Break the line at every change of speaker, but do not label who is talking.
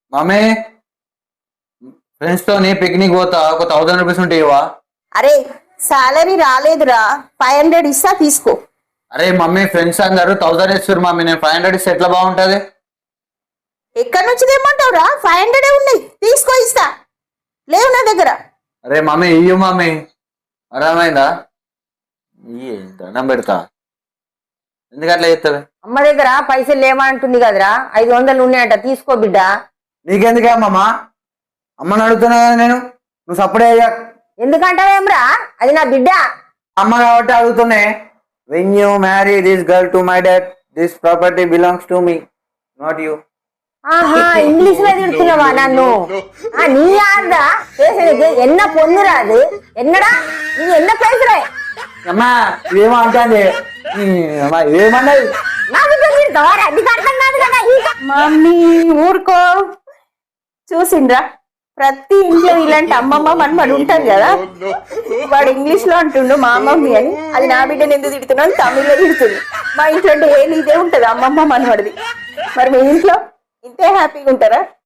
Mummy friends తోని picnic పోతా ఒక 1000 రూపీస్ ఉంటే ఇవా.
అరే సాలరీ రాలేదురా, 500 ఇస్తా తీసుకో.
అరే మమ్మీ ఫ్రెండ్స్ అందరు 1000 ఇస్తారు మమ్మీ, నేను 500 ఇస్తే ఎట్లా బాగుంటది?
ఎక్కడి నుంచి తెమ్మంటావురా? 500 ఉన్నాయి, తీసుకో ఇస్తా. లేవు నా దగ్గర.
అరే మమ్మీ ఇయ్యు మమ్మీ, అర్థమైందా? ఇయ్యి దండం పెడతా, ఎందుకు అట్లా చేస్తావే?
అమ్మ దగ్గర పైసలు లేవంటుంది కదరా, 500 ఉన్నాయట, తీసుకో బిడ్డ.
నీకెందుకే అమ్మమ్మ, అమ్మని అడుగుతున్నా కదా నేను, నువ్వు సప్పుడే అయ్యా.
ఎందుకంటావేమ్రా, అది నా బిడ్డ.
అమ్మ కాబట్టి అడుగుతున్నా. When you marry this girl to my dad, this property belongs to me, not you.
ఆహా, ఇంగ్లీష్ లో తిడుతున్నావా నన్ను? నీ ఆర్దా చేసేది ఎన్న పొందురా, అది ఎన్నడా నీ ఎన్న పైసలే.
అమ్మా ఏమో అంటాంది, ఏమన్నది?
నా బిడ్డ తిడతావారా? నీకు అర్థం కాదు కదా.
మమ్మీ ఊరుకో. చూసిండ్రా, ప్రతి ఇంట్లో ఇలాంటి అమ్మమ్మ మనమని ఉంటారు కదా. వాడు ఇంగ్లీష్ లో అంటుండు మా మమ్మీ అని, అది నా బిడ్డను ఎందుకు తిడుతున్నాను తమిళ్లో తిడుతుంది. మా ఇంట్లో అంటే ఏ ఇదే ఉంటది అమ్మమ్మ మనవాడిది. మరి మీ ఇంట్లో ఇంతే హ్యాపీగా ఉంటారా?